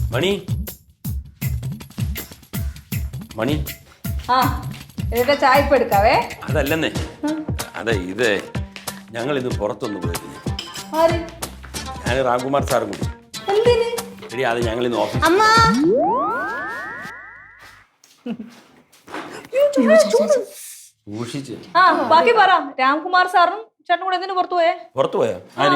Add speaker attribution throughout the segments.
Speaker 1: മണി മണി
Speaker 2: ആ എന്നിട്ട് ചായ ഇപ്പൊ എടുക്കാവേ.
Speaker 1: അതല്ലെന്നേ, അതെ ഇത് ഞങ്ങൾ ഇന്ന് പുറത്തൊന്ന് പോയിരുന്നു.
Speaker 2: ആര്?
Speaker 1: ഞാൻ രാംകുമാർ സാറും കൂടി.
Speaker 2: എന്തിന്?
Speaker 1: എടി അത് ഞങ്ങൾ ഇന്ന് ഓഫീസ് സൂക്ഷിച്ച്.
Speaker 2: ആ ബാക്കി പറ. രാംകുമാർ സാറും ചേട്ടനും കൂടെ എന്തിനു പുറത്തു പോയേ?
Speaker 1: പുറത്തു പോയാ ആര്?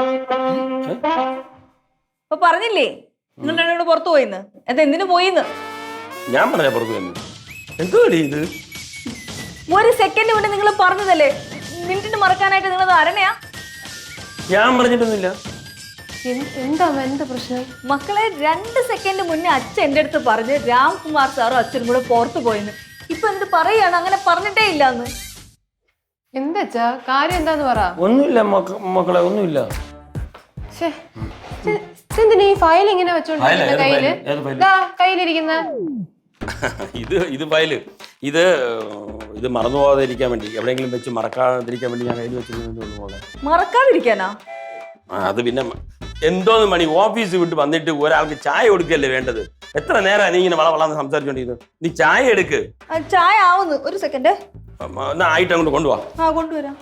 Speaker 2: അപ്പൊ പറഞ്ഞില്ലേ നിങ്ങൾ രണ്ടും കൂടെ പുറത്തു പോയിന്ന്? എന്തിനു പോയിന്ന്
Speaker 1: ഞാൻ പറഞ്ഞ പുറത്തു പോയെന്ന്. എന്തോ ഇത്
Speaker 2: ഒരു സെക്കൻഡ് മുന്നേ നിങ്ങൾ പറഞ്ഞതല്ലേ? മിനിറ്റിന് മറക്കാനായിട്ട് നിങ്ങൾ അരണയാ?
Speaker 1: ഞാൻ പറഞ്ഞിട്ടൊന്നുമില്ല.
Speaker 3: എന്താ പ്രശ്നം?
Speaker 2: മക്കളെ 2 സെക്കൻഡ് മുന്നേ അച്ഛൻ എന്റെ അടുത്ത് പറഞ്ഞ് രാംകുമാർ സാറും അച്ഛനും കൂടെ പുറത്തു പോയിന്ന്. ഇപ്പൊ എന്നിട്ട് പറയാണ് അങ്ങനെ പറഞ്ഞിട്ടേ ഇല്ലാന്ന്.
Speaker 3: എന്താ കാര്യം? എന്താന്ന് പറ.
Speaker 1: ഒന്നുമില്ല മക്കളെ, ഒന്നുമില്ല.
Speaker 3: എന്തിനാ ഈ ഫയൽ ഇങ്ങനെ വെച്ചോണ്ടിരിക്കുന്ന കയ്യില്? കയ്യിലിരിക്കുന്ന
Speaker 1: ഇത് ഫയല്. ഇത് മറന്നു പോകാതിരിക്കാൻ വേണ്ടി, എവിടെയെങ്കിലും വെച്ച് മറക്കാതിരിക്കാൻ വേണ്ടി ഞാൻ കയ്യിൽ വെച്ചിരുന്നു.
Speaker 2: മറക്കാതിരിക്കാനാ?
Speaker 1: അത് പിന്നെ എന്തോന്ന് മണി, ഓഫീസ് വിട്ട് വന്നിട്ട് ഒരാൾക്ക് ചായ കൊടുക്കല്ലേ വേണ്ടത്? എത്ര നേരം നീ ഇങ്ങനെ വളവളാന്ന് സംസാരിച്ചോണ്ടിരുന്നു? നീ ചായ എടുക്ക്.
Speaker 2: ചായ ആവുന്നു. ഒരു സെക്കൻഡ്
Speaker 1: ആയിട്ട് അങ്ങോട്ട് കൊണ്ടുപോവാ.
Speaker 2: ആ കൊണ്ടുവരാം.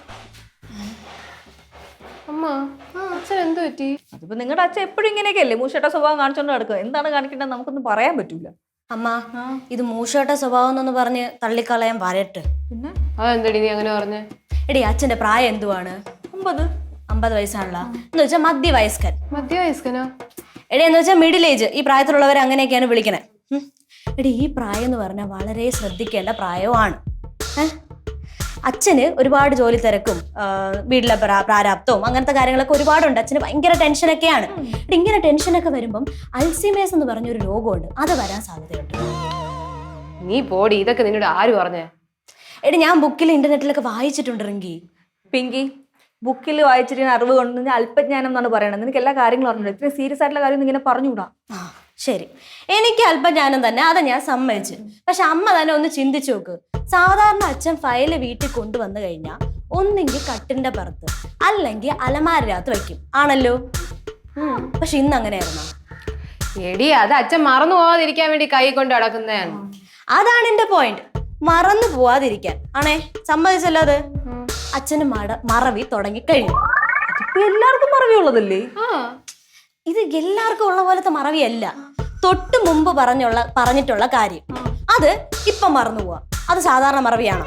Speaker 3: അമ്മ അച്ഛൻ എന്ത് പറ്റി?
Speaker 2: അതിപ്പോ നിങ്ങളുടെ അച്ഛൻ എപ്പോഴും ഇങ്ങനെയൊക്കെയല്ലേ മൂഷേട്ട സ്വഭാവം കാണിച്ചോണ്ട് നടക്കുക. എന്താണ് കാണിക്കേണ്ടത് നമുക്കൊന്നും പറയാൻ പറ്റൂല.
Speaker 4: അമ്മ ഇത് മൂഷേട്ട സ്വഭാവം എന്നൊന്ന് പറഞ്ഞ് തള്ളിക്കളയാൻ വരട്ടെ.
Speaker 2: പിന്നെ
Speaker 3: അതെന്തടി നീ അങ്ങനെ പറഞ്ഞേ?
Speaker 4: എടി അച്ഛന്റെ പ്രായം എന്തുവാണ്? 50 വയസ്സാണല്ലോ. എന്ന് വെച്ചാൽ മധ്യവയസ്കൻ.
Speaker 3: മധ്യവയസ്കനോ?
Speaker 4: എടി എന്ന് വെച്ചാൽ മിഡിൽ ഏജ്. ഈ പ്രായത്തിലുള്ളവർ അങ്ങനെയൊക്കെയാണ് വിളിക്കണേ. എടി ഈ പ്രായം എന്ന് പറഞ്ഞാൽ വളരെ ശ്രദ്ധിക്കേണ്ട പ്രായമാണ്. അച്ഛന് ഒരുപാട് ജോലി തിരക്കും വീട്ടിലെ പ്രാരാബ്ദവും അങ്ങനത്തെ കാര്യങ്ങളൊക്കെ ഒരുപാടുണ്ട്. അച്ഛന് ഭയങ്കര ടെൻഷനൊക്കെയാണ്. ഇങ്ങനെ ടെൻഷനൊക്കെ വരുമ്പം അൽസീമേഴ്സ് എന്ന് പറഞ്ഞൊരു രോഗമുണ്ട്, അത് വരാൻ സാധ്യതയുണ്ട്.
Speaker 3: നീ പോടി, ഇതൊക്കെ നിന്നോട് ആര് പറഞ്ഞേ?
Speaker 4: എടി ഞാൻ ബുക്കിൽ ഇന്റർനെറ്റിലൊക്കെ വായിച്ചിട്ടുണ്ട്. റിങ്കി
Speaker 2: പിങ്കി ബുക്കിൽ വായിച്ചിട്ട് അറിവ് കൊണ്ട് അല്പജ്ഞാനം എന്നാണ് പറയണത്. നിനക്ക് എല്ലാ കാര്യങ്ങളും അറിഞ്ഞില്ല. ഇത്രയും സീരിയസ് ആയിട്ടുള്ള കാര്യം ഇങ്ങനെ പറഞ്ഞുകൂടാ.
Speaker 4: ശരി, എനിക്ക് അല്പജ്ഞാനം തന്നെ, അത് ഞാൻ സമ്മതിച്ചു. പക്ഷെ അമ്മ തന്നെ ഒന്ന് ചിന്തിച്ചു നോക്ക്. സാധാരണ അച്ഛൻ ഫയല് വീട്ടിൽ കൊണ്ടുവന്നു കഴിഞ്ഞാൽ ഒന്നെങ്കിൽ കട്ടിന്റെ പുറത്ത് അല്ലെങ്കിൽ അലമാരകത്ത് വയ്ക്കും ആണല്ലോ. പക്ഷെ ഇന്ന് അങ്ങനെയായിരുന്നോ?
Speaker 3: എടി അത് അച്ഛൻ മറന്നു പോവാതിരിക്കാൻ വേണ്ടി കൈ കൊണ്ട് അടക്കുന്നതാണ്.
Speaker 4: അതാണ് എന്റെ പോയിന്റ്. മറന്നു പോവാതിരിക്കാൻ ആണേ, സമ്മതിച്ചല്ലോ. അത് അച്ഛന് മറവി തുടങ്ങിക്കഴിഞ്ഞു.
Speaker 2: എല്ലാവർക്കും മറവിയുള്ളതല്ലേ?
Speaker 4: ഇത് എല്ലാവർക്കും ഉള്ള പോലത്തെ മറവിയല്ല. തൊട്ട് മുമ്പ് പറഞ്ഞിട്ടുള്ള കാര്യം അത് ഇപ്പൊ മറന്നു പോവാ. അത് സാധാരണ മറവിയാണോ?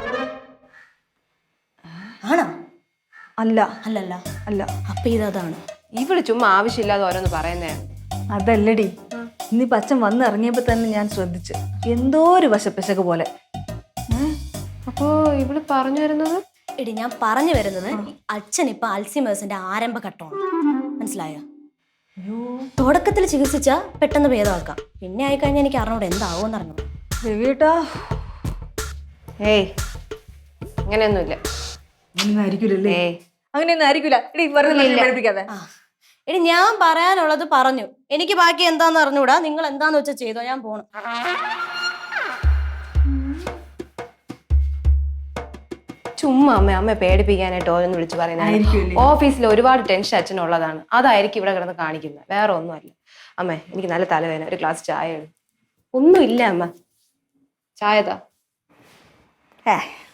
Speaker 4: ആണോ?
Speaker 2: അല്ല.
Speaker 4: അല്ലല്ല.
Speaker 2: അല്ല.
Speaker 4: അപ്പൊ ഇതാണ്.
Speaker 3: ഇവള് ചുമ്മാ ആവശ്യമില്ലാതെ ഓരോന്ന് പറയുന്നതാണ്.
Speaker 2: അതല്ലടി, ഇന്നിപ്പോ അച്ഛൻ വന്ന് ഇറങ്ങിയപ്പോ തന്നെ ഞാൻ ശ്രദ്ധിച്ചു എന്തോ ഒരു വശപ്പശക്ക് പോലെ.
Speaker 3: അപ്പോ ഇവള് പറഞ്ഞു വരുന്നത്?
Speaker 4: എടി ഞാൻ പറഞ്ഞു വരുന്നത് അച്ഛൻ ഇപ്പൊ അൽസീമേഴ്സിന്റെ ആരംഭഘട്ടമാണ്. മനസ്സിലായോ? തുടക്കത്തിൽ ചികിത്സിച്ച പെട്ടെന്ന് ഭേദമാക്കാം. പിന്നെ ആയിക്കഴിഞ്ഞാൽ എനിക്ക് അറിഞ്ഞൂടെ എന്താവോന്ന് അറിഞ്ഞു.
Speaker 2: രവിയേട്ടാ
Speaker 3: ഏയ് അങ്ങനെയൊന്നുമില്ല.
Speaker 2: അങ്ങനെയൊന്നും ആയിരിക്കില്ല.
Speaker 4: എടി ഞാൻ പറയാനുള്ളത് പറഞ്ഞു. എനിക്ക് ബാക്കി എന്താന്ന് അറിഞ്ഞൂടാ. നിങ്ങൾ എന്താന്ന് വെച്ചാൽ ചെയ്തോ, ഞാൻ പോണു.
Speaker 3: ചുമ്മാ അമ്മ പേടിപ്പിക്കാനായിട്ട് ഓരോന്ന് വിളിച്ച് പറയുന്നത്. ഓഫീസിൽ ഒരുപാട് ടെൻഷൻ അച്ഛനുള്ളതാണ്. അതായിരിക്കും ഇവിടെ കിടന്ന് കാണിക്കുന്നത്, വേറെ ഒന്നുമല്ല. അമ്മേ എനിക്ക് നല്ല തലവേദന, ഒരു ഗ്ലാസ് ചായ. ഒന്നുമില്ല അമ്മ, ചായതാ.